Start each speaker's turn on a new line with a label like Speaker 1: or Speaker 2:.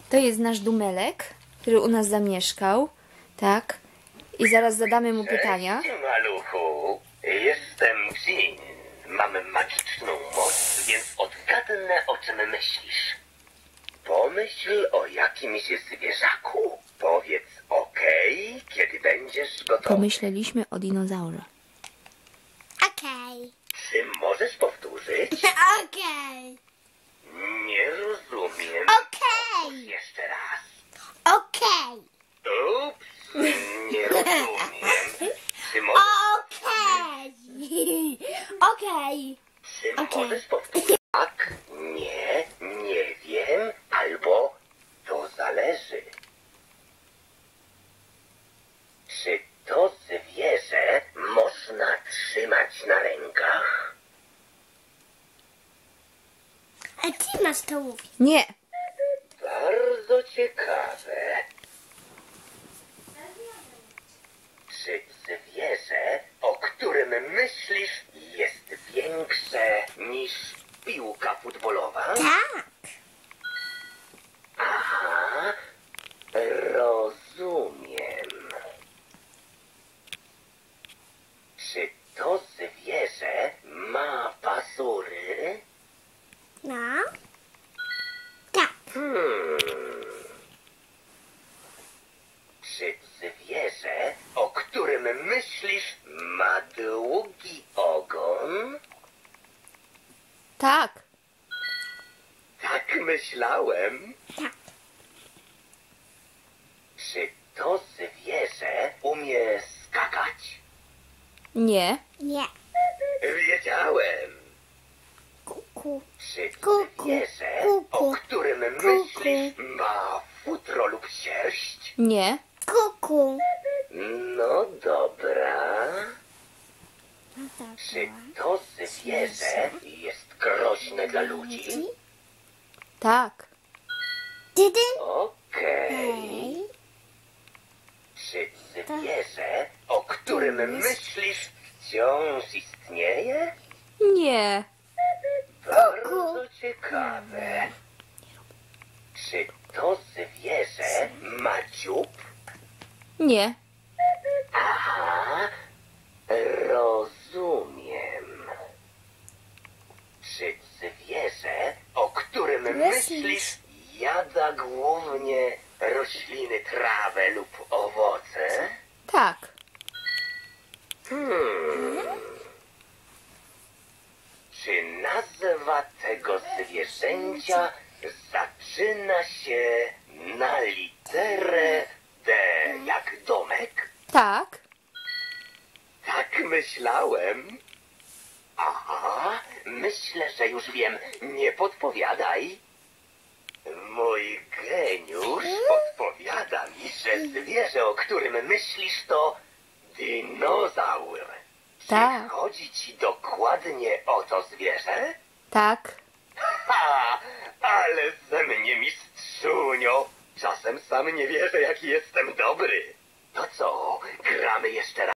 Speaker 1: To jest nasz Dumelek, który u nas zamieszkał, tak? I zaraz zadamy mu pytania.
Speaker 2: Cześć, maluchu. Jestem Jin. Mam magiczną moc, więc odgadnę, o czym myślisz. Pomyśl o jakimś zwierzaku. Powiedz okej, kiedy będziesz gotowy.
Speaker 1: Pomyśleliśmy o dinozaurze.
Speaker 3: Okej.
Speaker 2: Czy możesz powtórzyć?
Speaker 3: Okej.
Speaker 2: Nie rozumiem.
Speaker 3: Okej.
Speaker 2: Jeszcze raz.
Speaker 3: Okej.
Speaker 2: Ups, nie rozumiem. Czy możesz,
Speaker 3: Okej. Okej.
Speaker 2: czy
Speaker 3: okej.
Speaker 2: możesz powtórzyć? Tak, nie wiem, albo to zależy. Czy to zwierzę można trzymać na rękach?
Speaker 3: A ty masz to mówić.
Speaker 1: Nie,
Speaker 2: Bardzo ciekawe. Czy zwierzę, o którym myślisz, jest większe niż piłka futbolowa?
Speaker 3: Tak.
Speaker 2: Aha, rozumiem. Czy to zwierzę ma pazury?
Speaker 3: No. Tak.
Speaker 2: Czy zwierzę, o którym myślisz, ma długi ogon?
Speaker 1: tak,
Speaker 2: Tak myślałem.
Speaker 3: Tak.
Speaker 2: Czy to zwierzę umie skakać?
Speaker 1: nie,
Speaker 3: Nie.
Speaker 2: Wiedziałem.
Speaker 3: Kuku.
Speaker 2: Czy
Speaker 3: Kuku,
Speaker 2: zwierzę,
Speaker 3: kuku,
Speaker 2: o którym myślisz, ma futro lub sierść?
Speaker 1: nie,
Speaker 3: Kuku.
Speaker 2: No dobra.
Speaker 3: No tak.
Speaker 2: Czy to zwierzę jest groźne dla ludzi?
Speaker 1: tak,
Speaker 3: Dydyn.
Speaker 2: Okej. Czy zwierzę, o którym myślisz, wciąż istnieje?
Speaker 1: nie,
Speaker 2: Bardzo ciekawe. Czy to zwierzę ma dziób?
Speaker 1: nie,
Speaker 2: Aha, rozumiem. Czy zwierzę, o którym myślisz, jada głównie rośliny, trawę lub owoce?
Speaker 1: tak,
Speaker 2: Czy nazwa tego zwierzęcia zaczyna się na literę D jak domek?
Speaker 1: tak,
Speaker 2: Tak myślałem. Aha, myślę, że już wiem. Nie podpowiadaj. Mój geniusz podpowiada mi, że zwierzę, o którym myślisz, to dinozaur.
Speaker 1: Tak.
Speaker 2: Czy chodzi ci dokładnie o to zwierzę?
Speaker 1: tak.
Speaker 2: Ha! Ale ze mnie mistrzunio! Czasem sam nie wierzę, jaki jestem dobry. To co, gramy jeszcze raz?